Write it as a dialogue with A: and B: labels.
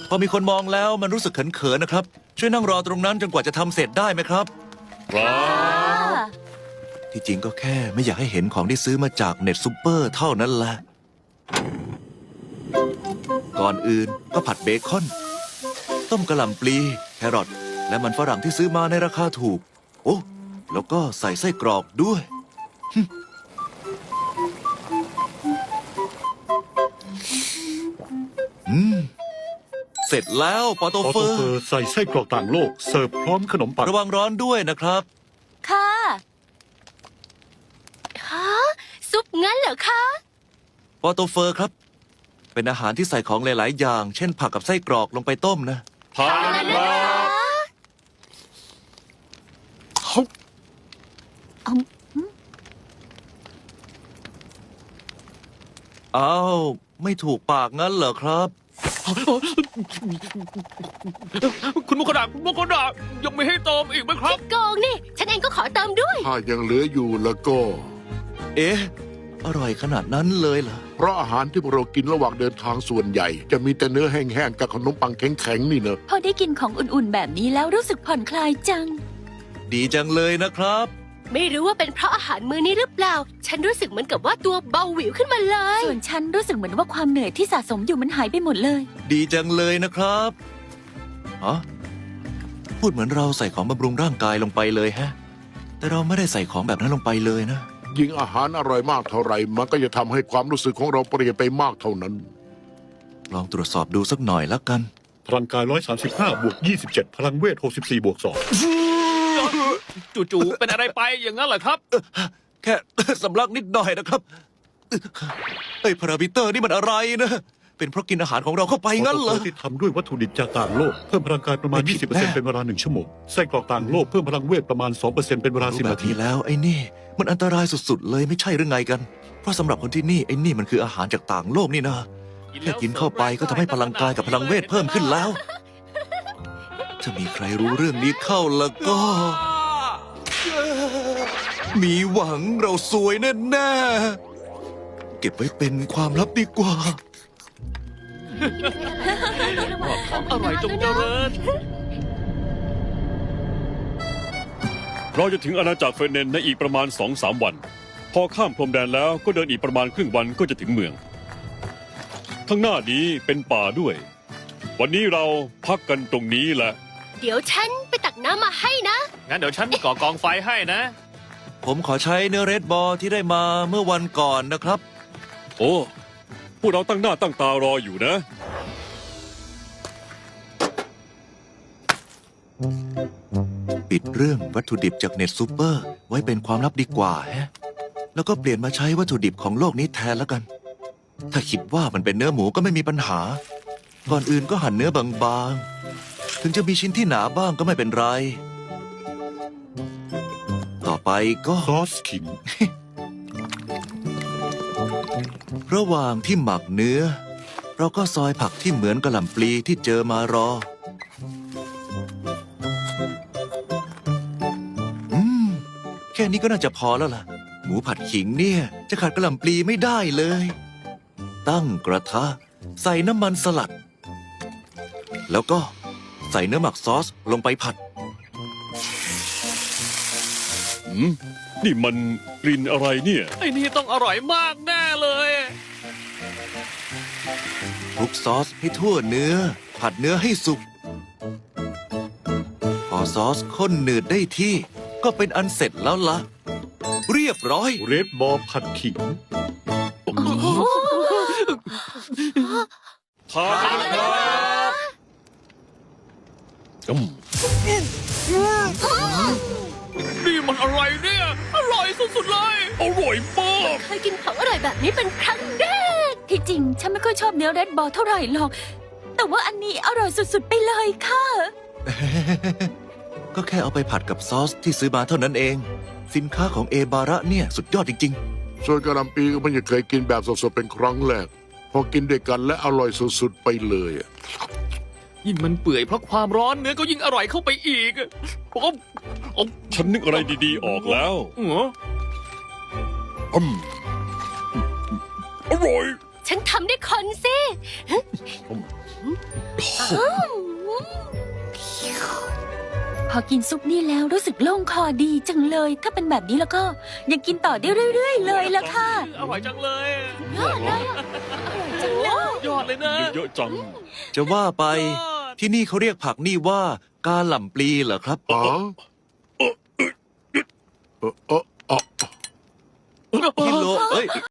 A: พอมีคนมองแล้วมันรู้สึกเขินๆนะครับช่วยนั่งรอตรงนั้นจนกว่าจะทำเสร็จได้ไหมครับ ที่จริงก็แค่ไม่อยากให้เห็นของที่ซื้อมาจากเน็ตซูเปอร์เท่านั้นแหละก่อนอื่นก็ผัดเบคอนต้มกะหล่ำปลีแครอทและมันฝรั่งที่ซื้อมาในราคาถูกโอ้แล้วก็ใส่ไส้กรอกด้วยเสร็จแล้วปอโตเฟอร์
B: ใส่ไส้กรอกต่างโลกเสิร์ฟพร้อมขนมปัง
A: ระวังร้อนด้วยนะครับ
C: ค่ะฮะซุปงั้นเหรอคะ
A: ปอโตเฟอร์ครับเป็นอาหารที่ใส่ของหลายๆอย่างเช่นผักกับไส้กรอกลงไปต้มนะ
B: ผ่านครับ
A: อ้าวไม่ถูกปากงั้นเหรอครับ
D: คุณมุขดาคุณมุขดายังไม่ให้เติมอีกไหมครับ
C: โกงนี่ฉันเองก็ขอเติมด้วย
E: ถ้ายังเหลืออยู่แล้วก็
A: เอ๊ะอร่อยขนาดนั้นเลยเหรอ
E: เพราะอาหารที่พวกเรากินระหว่างเดินทางส่วนใหญ่จะมีแต่เนื้อแห้งๆกับขนมปังแข็งๆนี่เนอะ
C: พอได้กินของอุ่นๆแบบนี้แล้วรู้สึกผ่อนคลายจัง
A: ดีจังเลยนะครับ
C: ไม่รู้ว่าเป็นเพราะอาหารมื้อนี้หรือเปล่าฉันรู้สึกเหมือนกับว่าตัวเบาหวิวขึ้นมาเลยส่วนฉันรู้สึกเหมือนว่าความเหนื่อยที่สะสมอยู่มันหายไปหมดเลย
A: ดีจังเลยนะครับอ๋อพูดเหมือนเราใส่ของบำรุงร่างกายลงไปเลยฮะแต่เราไม่ได้ใส่ของแบบนั้นลงไปเลยนะ
E: ยิ่งอาหารอร่อยมากเท่าไหร่มันก็จะทำให้ความรู้สึกของเราเปลี่ยนไปมากเท่านั้น
A: ลองตรวจสอบดูสักหน่อยแล้วกัน
B: พลังกาย135บวก27พลังเวท64บวก2
D: จู่ๆเป็นอะไรไปอย่างนั้นเหรอครับ
A: แค่สำลักนิดหน่อยนะครับไอ้พารามิเตอร์นี่มันอะไรนะเป็นเพราะกินอาหารของเราเข้าไปงั้นเหรอ
B: ที่ทำด้วยวัตถุดิบจากต่างโลกเพิ่มพลังกายประมาณ 20% เป็นเวลา1 ชั่วโมงไส้กรอกต่างโลกเพิ่มพลังเวทประมาณ 2% เป็นเวลา10 นาที
A: แล้วไอ้นี่มันอันตรายสุดๆเลยไม่ใช่หรือไงกันเพราะสำหรับคนที่นี่ไอ้นี่มันคืออาหารจากต่างโลกนี่นะแค่กินเข้าไปก็ทำให้พลังกายกับพลังเวทเพิ่มขึ้นแล้วถ้ามีใครรู้เรื่องนี้เข้าแล้วก็มีหวังเราสวยแน่ๆเก็บไว้เป็นความลับดีกว่า
D: อร่อยจงเจริญ
B: เราจะถึงอาณาจักรเฟเนนในอีกประมาณ 2-3 วันพอข้ามพรมแดนแล้วก็เดินอีกประมาณครึ่งวันก็จะถึงเมืองข้างหน้านี้เป็นป่าด้วยวันนี้เราพักกันตรงนี้แหละ
C: เดี๋ยวฉันไปตักน้ำมาให้นะ
D: งั้นเดี๋ยวฉันก่อกองไฟให้นะ
A: ผมขอใช้เนื้อเรดบอลที่ได้มาเมื่อวันก่อนนะครับ
B: โอ้พวกเราตั้งหน้าตั้งตารออยู่นะ
A: ปิดเรื่องวัตถุดิบจากเน็ตซูเปอร์ไว้เป็นความลับดีกว่าฮะแล้วก็เปลี่ยนมาใช้วัตถุดิบของโลกนี้แทนแล้วกันถ้าคิดว่ามันเป็นเนื้อหมูก็ไม่มีปัญหาก่อนอื่นก็หั่นเนื้อบางๆถึงจะมีชิ้นที่หนาบ้างก็ไม่เป็นไรต่อไปก็
B: ซอสขิง
A: ระหว่างที่หมักเนื้อเราก็ซอยผักที่เหมือนกะหล่ำปลีที่เจอมารอแค่นี้ก็น่าจะพอแล้วล่ะหมูผัดขิงเนี่ยจะขาดกะหล่ำปลีไม่ได้เลยตั้งกระทะใส่น้ำมันสลัดแล้วก็ใส่เนื้อหมักซอสลงไปผัด
B: นี่มันกลิ่นอะไรเนี่ย
D: ไอ้นี่ต้องอร่อยมากแน่เลย
A: คลุกซอสให้ทั่วเนื้อผัดเนื้อให้สุกพอซอสข้นหนืดได้ที่ก็เป็นอันเสร็จแล้วล่ะเรียบร้อย
B: เรดบอลผัดขิงทานครับ
D: นี่มันอะไรเนี่ยอร่อยสุดๆเลย
B: อร่อยมาก
C: เคยกินของอร่อยแบบนี้เป็นครั้งแรกที่จริงฉันไม่ค่อยชอบเนื้อเรดบอลเท่าไหร่หรอกแต่ว่าอันนี้อร่อยสุดๆไปเลยค่ะ
A: ก็แค่เอาไปผัดกับซอสที่ซื้อมาเท่านั้นเองสินค้าของเอบาระเนี่ยสุดยอดจริง
E: ๆส่วนกะหล่ำปีก็ไม่เคยกินแบบสดๆเป็นครั้งแรกพอกินด้วยกันและอร่อยสุดๆไปเลย
D: ยิ่งมันเปื่อยเพราะความร้อนเนื้อก็ยิ่งอร่อยเข้าไปอีก
B: ฉันนึกอะไรดีๆออกแล้วอร่อย
C: ฉันทำได้คนสิพอกินซุปนี่แล้วรู้สึกโล่งคอดีจังเลย ถ้าเป็นแบบนี้แล้วก็ยังกินต่อได้เรื่อยๆเลยละค่ะ
D: อร่อยจังเลย
C: ยอดเลยอะอร่อยจังเลย
D: ยอดเลยนะ
B: เยอะๆจัง
A: จะว่าไปที่นี่เขาเรียกผักนี่ว่ากาหล่ำปลีเหรอครับ
E: อ๋อเออ
A: พี่โลเอ้ย